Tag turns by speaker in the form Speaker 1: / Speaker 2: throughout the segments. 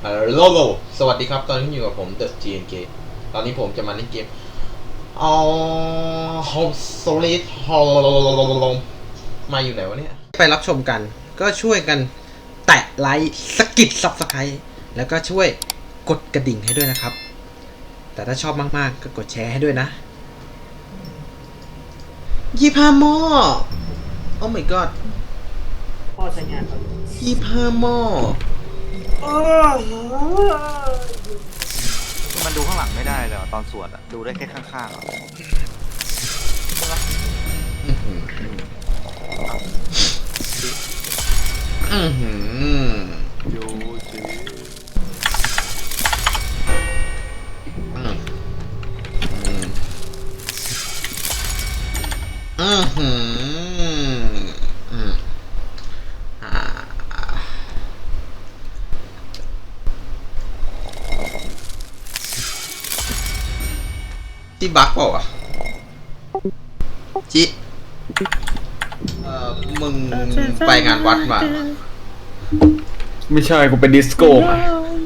Speaker 1: โลโลสวัสดีครับตอนนี้อยู่กับผมเดอะ GNK ตอนนี้ผมจะมาเล่นเกมโฮมโซลิดมาอยู่ไหนวะเนี่ยไปรับชมกันก็ช่วยกันแตะไลค์สกิดซับสไครต์แล้วก็ช่วยกดกระดิ่งให้ด้วยนะครับแต่ถ้าชอบมากๆก็กดแชร์ให้ด้วยนะ25 หม้อโอ้ my god
Speaker 2: พ่อใช้งานครับ
Speaker 1: 25 หม้อ
Speaker 3: มันดูข้างหลังไม่ได้เลยตอนสวดอะดูได้แค่ข้างๆอะดูสิ
Speaker 1: ที่บักเปล่าวะจิมึงไปงานวัดมา
Speaker 4: ไม่ใช่กูเป็นดิสโก้มา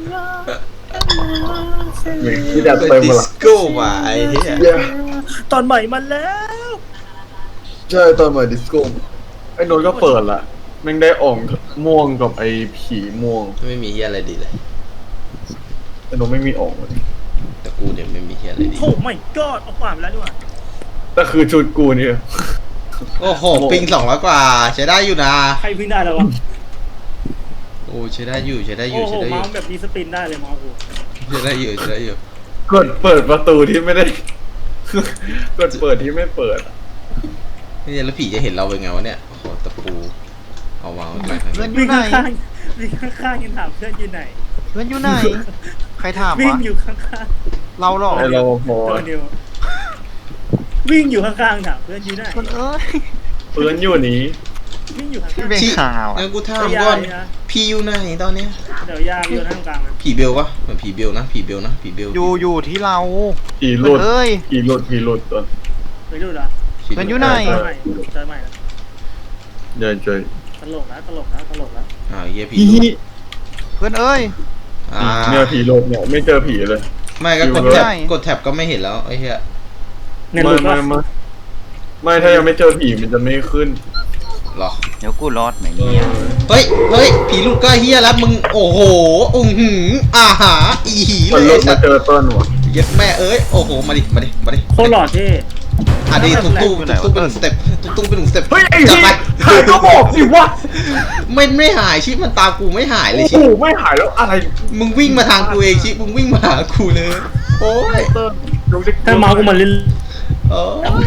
Speaker 4: ที่ดัดเติมมาละ
Speaker 1: ดิสโก้มาไอ้เหี้ย
Speaker 2: ตอนใหม่มาแล้ว
Speaker 4: ใช่ตอนมาดิสโก้ไอ้นนท์ก็เปิดละแม่งได้อ่องม่วงกับไอ้ผีม่วง
Speaker 1: ไม่มีเหี้ยอะไรดีเลย
Speaker 4: ไอ้นนท์ไม่มีอ่องเลย
Speaker 1: แต่กูเนี่ยไม่มีเหี้ยอะไรดี
Speaker 2: โอ้ไม่ก็เอาผ่านไปแล้วดีกว่า
Speaker 4: แต่คือชุดกูเนี่ย
Speaker 1: โอ้โหปิง200 กว่าใช้ได้อยู่นะ
Speaker 2: ใครวิ่งได้แล้ววะ
Speaker 1: โอ้ใช้ได้อยู่ใช้ได้อ
Speaker 2: โอ้โห
Speaker 1: ยู่ใช้ได้อ
Speaker 2: เมา
Speaker 1: ยู่
Speaker 2: ส์แบบมีสปินได้เลยเมาส์กู
Speaker 1: ใช้ได้อยู่ใช้ได้อยู่
Speaker 4: กดเปิดประตูที่ไม่ได้กดเปิดที่ไม่เปิด
Speaker 1: นี่แล้วผีจะเห็นเราเป็นไงวะเนี่ยโอ้โหตะปูเอาวางไว้
Speaker 3: เพื่อนอ
Speaker 2: วิ่
Speaker 3: ยู่
Speaker 2: ง
Speaker 3: ไหน
Speaker 2: ข้างๆวิ่งข้างๆยังถามเพื่อนอยู่ไหน
Speaker 3: เพื่อนอยู่ไหนใครถาม
Speaker 2: วิ่ง
Speaker 3: วะ
Speaker 2: อยู่ข้าง
Speaker 3: เราหรอ
Speaker 4: ไอ้รปภ
Speaker 2: ๆตัวเดียววิ่งอยู่ข้างๆถามเพื่อนอยู่ไหน
Speaker 3: เพื่อนเอ้ย
Speaker 4: เพื่อนอยู่นี้
Speaker 2: วิ่งอยู่ข้าง
Speaker 3: พี่เป็นข่าว
Speaker 1: งั้
Speaker 3: อะ
Speaker 1: นกูถามก่อนพี่อยู่ไหนตอนเนี้ย
Speaker 2: ๆเดี๋ยวยากอยู่ข้างกลางนะ
Speaker 1: ผีเบลปะเหมือนผีเบลนะผีเบลนะผีเบล
Speaker 3: อยู่ที่เรา
Speaker 4: ผีห
Speaker 3: เพื่
Speaker 4: ลุ
Speaker 3: อน
Speaker 4: ด
Speaker 3: เอ้ย
Speaker 4: ผีหลุดผีหลุดตอน
Speaker 2: ไม่รู้เหรอ
Speaker 3: เพื่อนอยู่ไหน
Speaker 2: เจอใหม่เจอใหม่แล้ว
Speaker 4: เดินเจอ
Speaker 2: ตลกแล้วตลกแล้วตลกแล้ว
Speaker 1: เหี้ยผี
Speaker 4: ผี
Speaker 3: เพื่อนเอ้ย
Speaker 4: เนี่ยผีหลุดเนี่ยไม่เจอผีเลย
Speaker 1: ไม่ก็กด
Speaker 3: อยู่
Speaker 1: แท็บ
Speaker 3: ไหน
Speaker 1: กดแท็บก็ไม่เห็นแล้วไอ้เหี้ย
Speaker 2: เนี่ยหลุดว่า
Speaker 4: ไม่ถ้ายังไม่เจอผีมันจะไม่ขึ้น
Speaker 1: หรอ
Speaker 3: เดี๋ยวกูรอดไหนเนี่ย
Speaker 1: เฮ้ยผีลูกก็เฮียแล้วมึงโอ้โหอาหาอีหี
Speaker 4: มัน
Speaker 1: เล
Speaker 4: ลุ
Speaker 1: ย
Speaker 4: กมาเจอต้นวะ
Speaker 1: เย็ดแม่เอ้ยโอ้โหมาดิ
Speaker 2: โคตรหล่อเท่
Speaker 1: อ่ะดิตุ้งเป็น1 สเต็ปตุ้งเป็น1 สเต็ป
Speaker 4: เฮ้ยไอ้
Speaker 1: จัด
Speaker 4: ที่
Speaker 1: ไป
Speaker 4: หายก็บอกดิวะ
Speaker 1: ไม่หายชิมันตามกูไม่หายเลย
Speaker 4: โอ้
Speaker 1: ชิ
Speaker 4: โหไม่หายแล้วอะไร
Speaker 1: มึงวิ่งมาทางกูเองชิมึงวิ่งมาหากูเลยโอ้ย
Speaker 4: เติ้ลยกเล็ก
Speaker 2: ถ้าเมาส์กูมันลิ้น
Speaker 1: โอ้ย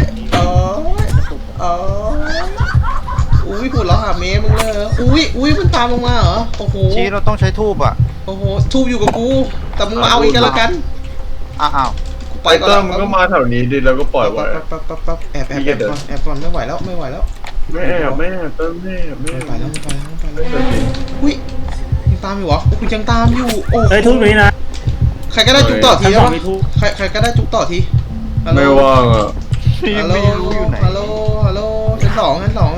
Speaker 1: อุ้ยหัวเราะหาเมย์มึงเลยอุ้ยมันตามมึงมาเหรอโอ้โห
Speaker 3: ชี้เราต้องใช้ทูบอะ
Speaker 1: โอ้โหทูบอยู่กับกูแต่มึงมาเอาอีกกันละกัน
Speaker 3: อ้าว
Speaker 1: กูไป
Speaker 4: ไป
Speaker 1: ก่อน
Speaker 4: เติ้ลมันก็มาแถวนี้ดิแล้วก็ปล่อยไว้
Speaker 1: ปั๊บแอบก่อนไม่ไหวแล้ว
Speaker 4: ไม่แอบเติ้ลไม่แอบ
Speaker 1: ไม่ไปแล้วอุ้ยยังตามอยู่เหรอโอ้คุณยังตามอยู่โอ้
Speaker 2: เฮ้ยทุกนี้นะ
Speaker 1: ใครก็ได้จุกต่อที
Speaker 2: ทั้งส
Speaker 1: ใช่
Speaker 2: อง
Speaker 1: ปะ
Speaker 2: มีทุก
Speaker 1: ใครก็ได้จุกต่อที
Speaker 4: ไม่ว่างอ่ะ
Speaker 3: พี่
Speaker 1: ฮัลโหล
Speaker 3: ไม่รู้อยู่ไหน
Speaker 1: ฮัลโหลชั้นสอง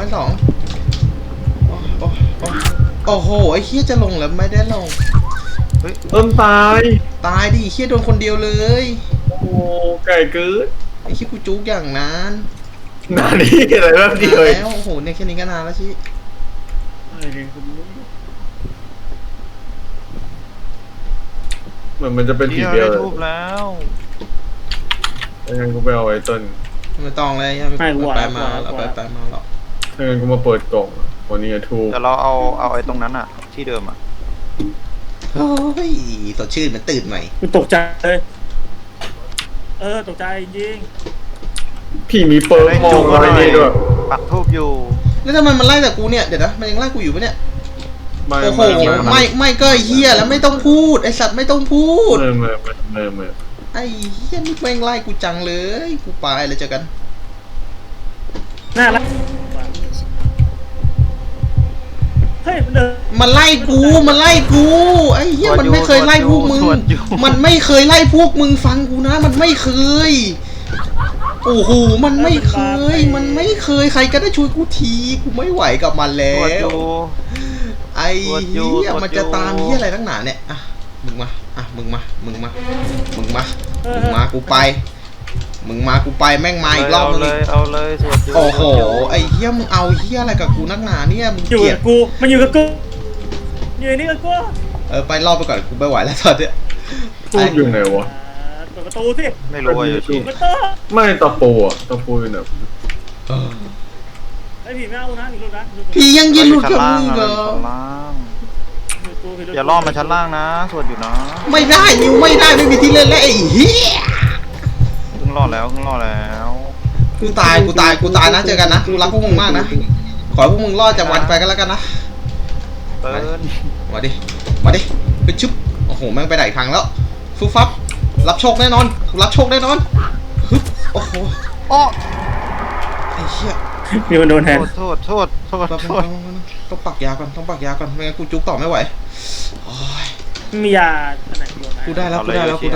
Speaker 1: โอ้โหไอ้เฮียจะลงแล้วไม่ได้ลง
Speaker 4: เติ้ลตาย
Speaker 1: ตายดิเฮียโดนคนเดียวเลย
Speaker 4: โอ้โหไก่กืด
Speaker 1: ไอ้เฮียกูจุกอย่างนั้น
Speaker 4: นานนี่อะไรแบบนี้เลย
Speaker 1: แล้วโอ้โหเนี่ยแค่นี้ก็นานแล้วชิ
Speaker 4: เหมือนมันจะเป็นผี
Speaker 3: พี่เรา
Speaker 4: เดียว
Speaker 3: ได้
Speaker 4: เลย
Speaker 3: ทูบแล้ว
Speaker 4: ถ้างั้นกูไปเอาไอ้เติ้ล
Speaker 1: ไม่ต้องเลยไม่ไปมาแล้วไปมาแล้ว
Speaker 4: ถ้างั้นกูมาเปิดกล่องวันนี้ทูบ
Speaker 3: แต่เราเอาไอ้ตรงนั้นอะที่เดิมอะ
Speaker 1: โอ้ยสดชื่นมันตื่นใหม่
Speaker 2: กูตกใจเลยตกใจจริง
Speaker 4: ผีมีเปิร์กมองอะไรนี่ด้วย
Speaker 3: ปักทูบอยู่
Speaker 1: แล้วทำไมมันไล่แต่กูเนี่ยเดี๋ยวนะมันยังไล่กูอยู่ปะเนี่ย
Speaker 4: ไม่
Speaker 1: โอ้โหไม่ก็เฮียแล้วไม่ต้องพูดไอสัตว์ไม่ต้องพูด
Speaker 4: ไม่
Speaker 1: ไอ้เฮียนี่แม่งไล่กูจังเลยกูไปเลยเจอกัน
Speaker 2: น่ารักเฮ้ยมันเดิน
Speaker 1: มันไล่กูไอ้เฮียมันไม่เคยไล่พวกมึงมันไม่เคยไล่พวกมึงฟังกูนะมันไม่เคยโอ้โหมันไม่เคยใครก็ได้ช่วยกูทีกูไม่ไหวกับมันแล้
Speaker 3: ตรวจอ
Speaker 1: ว
Speaker 3: ยู่
Speaker 1: ไอ้เหี้ยมันจะตามเหี้ยอะไรตั้งหนาเนี่ยอ่ะมึงมาอ่ะมึงมามึงมามึงมามึงมากูไปมึงมากูไปแม่งมาอีกรอบนึง
Speaker 3: เอาเลยสวดอยู่
Speaker 1: โอ้โหไอ้เหี้ยมึงเอาเหี้ยอะไรกับกูนักหนาเนี่ยมึง
Speaker 2: อยู่
Speaker 1: เกลีย
Speaker 2: กั
Speaker 1: ด
Speaker 2: บกูมันอยู่กับกูอยู่นี่กับกู
Speaker 1: ไปรอบไปก่อนกูไม่ไหวแล้วตอนเนี้ย
Speaker 4: ทูบอยู่ไหนวะ
Speaker 2: เปิดประตูสิ
Speaker 3: ไม่รู้ว่าอยู่ที่
Speaker 2: ประตู
Speaker 4: ไม่ตะปูอะตะปูอยู่ไหน
Speaker 1: เออ
Speaker 2: ไอ้ผีไม่เอานะผีรู้นะ
Speaker 1: พี่ยังยินหลุดกับมึงเหรอ
Speaker 3: ชั้นล่างอย่าล่อมาชั้นล่างนะสวดอยู่นะ
Speaker 1: ไม่ได้นิวไม่ได้ไม่มีที่เล่นแล้วไอ้เหี้ย
Speaker 3: เพิ่งรอดแล้วเพิ่งรอดแล้ว
Speaker 1: กูตายนะเจอกันนะกูรักพวกมึงมากนะขอให้พวกมึงรอดจากวันไปกันแล้วกันนะ
Speaker 3: เติ้ล
Speaker 1: มาดิไปชุบโอ้โหแม่งไปไหนทางแล้วฟุบฟับรับโชคแน่นอนกูรับโชคแน่นอนฮึบโอ้โห
Speaker 3: อ้อ
Speaker 1: ไอ้เหี้ย
Speaker 2: มีคนโดนแทง
Speaker 3: โทษ
Speaker 1: ต้องปักยาก่อนไม่งั้นกูจุกต่อไม่ไหวโอ้ย
Speaker 2: มียาอันไหนโดนไหม
Speaker 1: กูได้แล้ว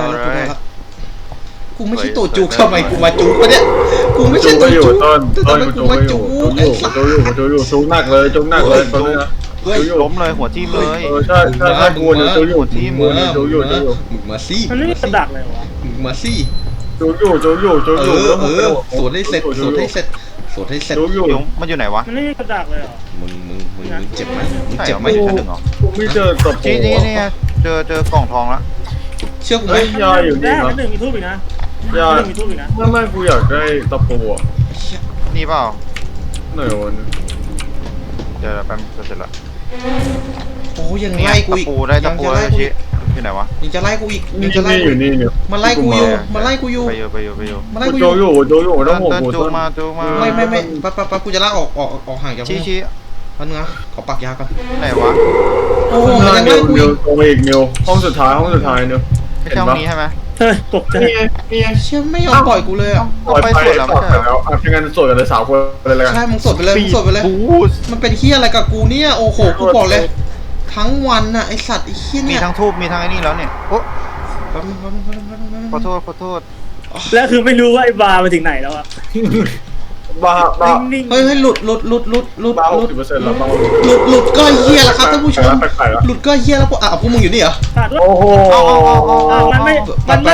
Speaker 1: กูไม่ใช่ตัวจุกทำไมกูมาจุกวะเนี่ยกูไม่ใช่ตัวจุก
Speaker 4: ต้น
Speaker 1: แต่ทำไมกูมาจุกไอ้สัส
Speaker 4: จูอยู่จุกหนักเลยตอนนี้นะ
Speaker 1: เฮ้ย
Speaker 3: ล้มเลยหัวทิ่มเลย
Speaker 4: ใช่กูเนี่ยจูอยู่
Speaker 1: มึงมาสิ
Speaker 2: มันไม่มีกระดักเลยวะ
Speaker 1: มึงมาสิ
Speaker 4: จูอยู่
Speaker 1: สวนให้เสร็จ
Speaker 4: จูอยู่
Speaker 3: มันอยู่ไหนวะ
Speaker 2: มันไม่มีกระดักเลยเหรอ
Speaker 1: มึงเจ็บไหมมึง
Speaker 3: ใช่
Speaker 1: เจ็บ
Speaker 3: ไห
Speaker 1: ไห
Speaker 3: ม
Speaker 1: ม
Speaker 3: ชั้นหนึ่งเหรอ
Speaker 4: กูไม่เจอตะปู
Speaker 3: นี่เจอกล่องทองแล้ว
Speaker 1: เชื่อกูไหม
Speaker 4: เฮ้ยยาอยู่
Speaker 2: แร
Speaker 4: นี่
Speaker 2: ก
Speaker 4: นะ
Speaker 2: ชั้นหนึ่งมีทูบอีกนะ
Speaker 4: ยา
Speaker 2: ชั้นหนึ่งมีทูบอีกนะ
Speaker 4: ไม่กูอยากได้ตะปูอ่ะ
Speaker 3: นี่เปล่า
Speaker 4: ไหนวะ
Speaker 3: เดี๋ยวแป๊บจะเสร็จละ
Speaker 1: โอ้ยัง
Speaker 3: เนี่ย
Speaker 1: ไล่กู
Speaker 3: ตะ
Speaker 1: อีก
Speaker 3: ปูได้ตะปูได้ชี้อยู่ไหนวะ
Speaker 1: ยังจะไล่กูอีก
Speaker 4: นี่
Speaker 1: ยังจะไล่กู
Speaker 4: อยู่นี่เนี่ย
Speaker 1: มันไล่กูอยู่มันไล่กูอยู่
Speaker 3: ไปอยู่
Speaker 1: มันไล่กูอ
Speaker 4: จู
Speaker 1: ยู่
Speaker 4: อยู่ไม่ต้องห่วง
Speaker 3: เติ้ล
Speaker 4: กู
Speaker 3: จูมา
Speaker 1: ไม่ปั๊บกูจะลากออกห่างจากมึง
Speaker 3: ชี้
Speaker 1: แป๊บนึงนะขอปักยาก่อน
Speaker 3: ไหนวะ
Speaker 1: โอ้โหมันยังไล่กู
Speaker 4: นิ
Speaker 1: อี
Speaker 4: ว
Speaker 1: ก
Speaker 4: ตรงอีกนิวห้องสุดท้ายนิว
Speaker 3: ไม่ใช่ห้องนี้ใช่ไหม
Speaker 2: เฮ้ยตกใจ
Speaker 4: นี่ไง
Speaker 1: เชื่อไม่ยอมปล่อยกูเลยอ่ะ
Speaker 4: ปล่อยไปแล้วถ้างั้นสวดกันเลย3 คนเลยกัน
Speaker 1: ใช่มึงสดไปเลย
Speaker 3: บูส
Speaker 1: มันเป็นเฮียอะไรกับกูเนี่ยโอ้โหกูบอกเลย ทั้งวันน่ะไอสัตว์ไอเฮีย
Speaker 3: มี
Speaker 1: เนี่ย
Speaker 3: ทั้งทูบมีทั้งไอ้นี่แล้วเนี่ยโอ้
Speaker 1: แป๊บนึง
Speaker 3: ขอโทษ
Speaker 2: แล้วคือไม่รู้ว่าไอ้บาร์ไปถึงไหนแล้วอะ
Speaker 4: บ้า
Speaker 2: นิ่ง
Speaker 1: เฮ้ยหลุด
Speaker 4: บ้า60%แล้วบ้า
Speaker 1: หลุดก็เฮียแล้วครับท่านผู้ชม
Speaker 4: แปลกๆแล้ว
Speaker 1: หลุดก็เฮียแล้วพวกมึงอยู่นี่เหรอ
Speaker 2: ๆขาดด้วย
Speaker 4: โอ้โห
Speaker 2: มันไม่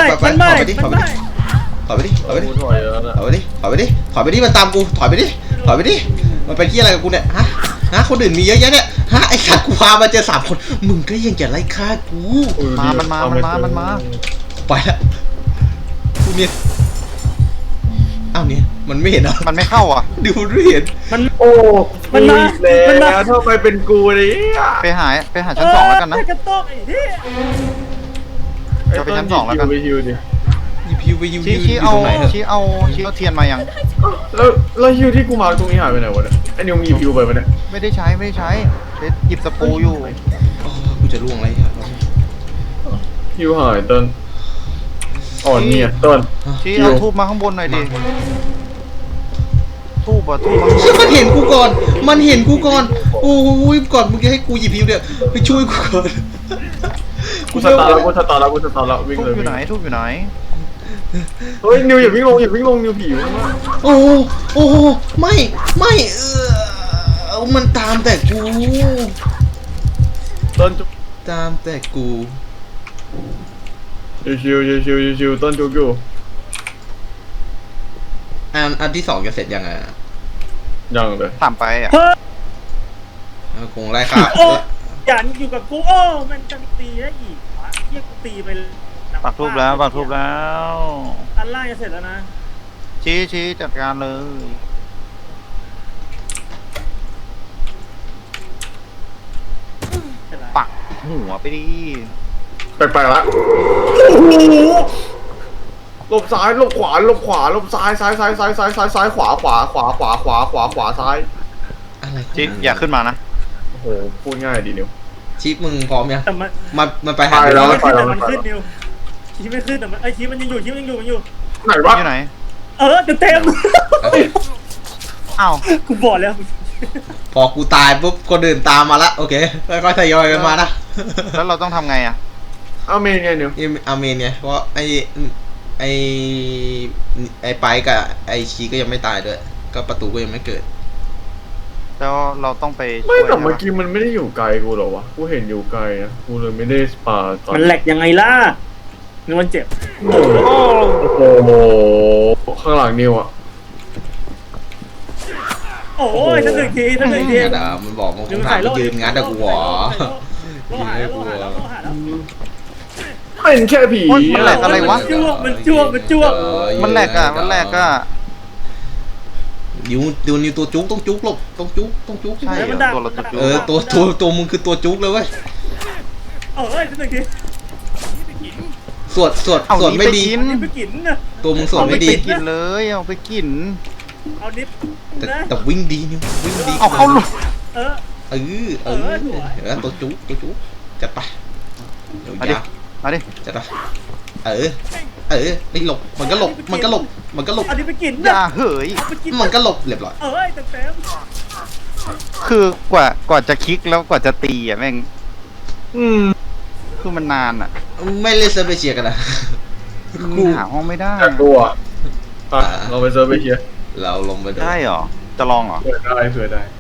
Speaker 1: ถอยไปดิถอยไปดิ
Speaker 4: ถอยแล้วนะ
Speaker 1: ถอยไปดิมันตามกูถอยไปดิมันเป็นที่อะไรกับกูเนี่ยฮะคนอื่นมีเยอะแยะเนี่ยไอสัตว์กูพามาเจอ3 คนมึงก็ยังจะไล่ฆ่ากู
Speaker 3: มันมา
Speaker 1: ไปละกูเนี่ยอ้าวเนี่ยมันไม่เห็นเหรอ
Speaker 3: มันไม่เข้าอ่ะ
Speaker 1: ดูมันไม่เห็น
Speaker 2: มัน
Speaker 4: โอ้แล้วทำไมเป็นกูเนี่ย
Speaker 3: ไปหาชั้น 2แล้วกันนะ
Speaker 2: กระโตกไอ้เหี้ย
Speaker 1: หยิบฮิวไปฮิว
Speaker 3: ชี้
Speaker 1: อยู่
Speaker 3: เอา
Speaker 1: ตรงไหนเหรอ
Speaker 3: ชี้เอาเทียนมายัง
Speaker 4: แล้วฮิวที่กูมาตรงนี้หายไปไหนวะเนี่ยไอ้นิวมีฮิวไปปะเนี่ย
Speaker 3: ไม่ได้ใช้หยิบตะปูอยู่
Speaker 1: กูจะล่วงอะไรเนี่ย
Speaker 4: ฮิวหายต้นอ่อนเนี่ยต้น
Speaker 3: ชี้เอาทูบมาข้างบนหน่อยดิทูบมา
Speaker 1: เชื่อมันเห็นกูก่อนโอ้ยก่อนมึงจะให้กูหยิบฮิวเนี่ยไปช่วยกูก่อน
Speaker 4: กูสตาร์แล้ววิ่ง
Speaker 3: ทูบ
Speaker 4: เลย
Speaker 3: อยู่ไหน
Speaker 4: เฮ้ยนิวอย่าวิ่งลงนิวผีอยู่ข้างล่าง
Speaker 1: โอ้ไม่มันตามแต่กู
Speaker 4: ต้น
Speaker 1: ตามแต่กู
Speaker 4: ชิวต้นจุกอยู่
Speaker 1: อันที่2จะเสร็จยังไง
Speaker 4: ยังเลย
Speaker 3: ถามไปอ่ะ
Speaker 1: คงไล่ฆ่า
Speaker 2: โอ้อย่าอยู่กับกูโอ้มันจะตีได้อีกวะเรียกกูตีไป
Speaker 3: ปักทูบแล้ว
Speaker 2: อันล่างจะเสร็จแล้วนะ
Speaker 3: ชี้จัดการเลย
Speaker 2: เสร็จแล้ว
Speaker 3: ปักหัวไปดิ
Speaker 4: แปลกๆละหลบซ้ายหลบขวาหลบซ้ายขวาซ้าย
Speaker 1: อะไร
Speaker 3: ชี้อย่าขึ้นมานะ
Speaker 4: โอ้โหพูดง่ายดีนิว
Speaker 1: ชิปมึงพร้อมยัง
Speaker 2: แต่
Speaker 1: มันไปหา
Speaker 4: ไปแล้ว
Speaker 2: มันขึ้นแต่มันขึ้นนิวชี้ไม่ขึ้นแต่มันชี้มันยังอยู่มันอยู่
Speaker 4: ไหนวะ
Speaker 3: อยู่ไหน
Speaker 2: เต็ม
Speaker 3: อ้าว
Speaker 2: กูบอกแล้ว
Speaker 1: พอกูตายปุ๊บคนอื่นตามมาละโอเคค่อยๆทยอยกันมานะ
Speaker 3: แล้วเราต้องทำไงอ่ะ
Speaker 4: เอาเมนไงนิว
Speaker 1: อาเมนเนี่ยเพราะไอไปกับไอชีก็ยังไม่ตายด้วยก็ประตูก็ยังไม่เกิด
Speaker 3: แล้วเราต้องไป
Speaker 4: ไม่
Speaker 3: ช่วย
Speaker 4: แต่เมื่อ
Speaker 3: ใช่ปะ
Speaker 4: กี้มันไม่ได้อยู่ไกลกูหรอวะกูเห็นอยู่ไกลนะกูเลยไม่ได้สปาก่อน
Speaker 2: มันแหลกยังไงล่ะนึกมันเจ็บ
Speaker 4: โอ้โหข้างหลังนิวอ่ะ
Speaker 2: โอ้ยสักหนึ่งทีสักหนึ่งที
Speaker 1: งัดอะมันบอกมันคงถามว่ายืนงัดอะกูหรอ
Speaker 2: โลหะแล้วโลหะแล้วโลหะแล้ว
Speaker 4: เป็นแค่ผี
Speaker 3: โอ๊ยมันแหลกอะไรวะ
Speaker 2: มันจ้วง
Speaker 3: มันแหลกอะมันแหลกอะ
Speaker 1: นิวตัวจุกต้องจุกหลบต้องจุก
Speaker 3: ใช่เหรอตัวเราตัวจุ๊
Speaker 1: เออตัวมึงคือตัวจุกเลยเว้ย
Speaker 2: เอ้ยสักหนึ่งที
Speaker 1: สวดไม่ดี
Speaker 2: นี่ไปกินนะ
Speaker 1: ตัวมึงสวด
Speaker 3: เอาไป
Speaker 1: ไม่ดี
Speaker 3: กินเลยเอาไปกิน
Speaker 2: เอานิฟ
Speaker 1: แต่
Speaker 2: นะ
Speaker 1: แต่วิ่งดีนิววิ่งดี
Speaker 3: เอาเข้าลูก
Speaker 2: เออ
Speaker 1: ตัวจุกจัดไปเดี๋ยวยาว
Speaker 3: มาดิ
Speaker 1: จัดไปไม่หลบมันก็หลบ
Speaker 2: เอานิฟไปกิน
Speaker 3: อ
Speaker 2: นะ
Speaker 3: ย่าเหย
Speaker 2: เอาไปกิน
Speaker 1: มันก็หลบเรียบร้อย
Speaker 2: เอ้ยเต็ม
Speaker 3: คือกว่าจะคลิกแล้วกว่าจะตีอ่ะแม่ง คือมันนานอ่ะ
Speaker 1: ไม่เล่นเซิร์ฟเอเชียกันนะ
Speaker 3: กูหาห้องไม่ได้
Speaker 4: อยากดูอ่ะเราไปเซิร์ฟไปเชียร์
Speaker 1: เราลงไปดู
Speaker 3: ได้เหรอ จะลองเหรอ
Speaker 4: เผื่อได้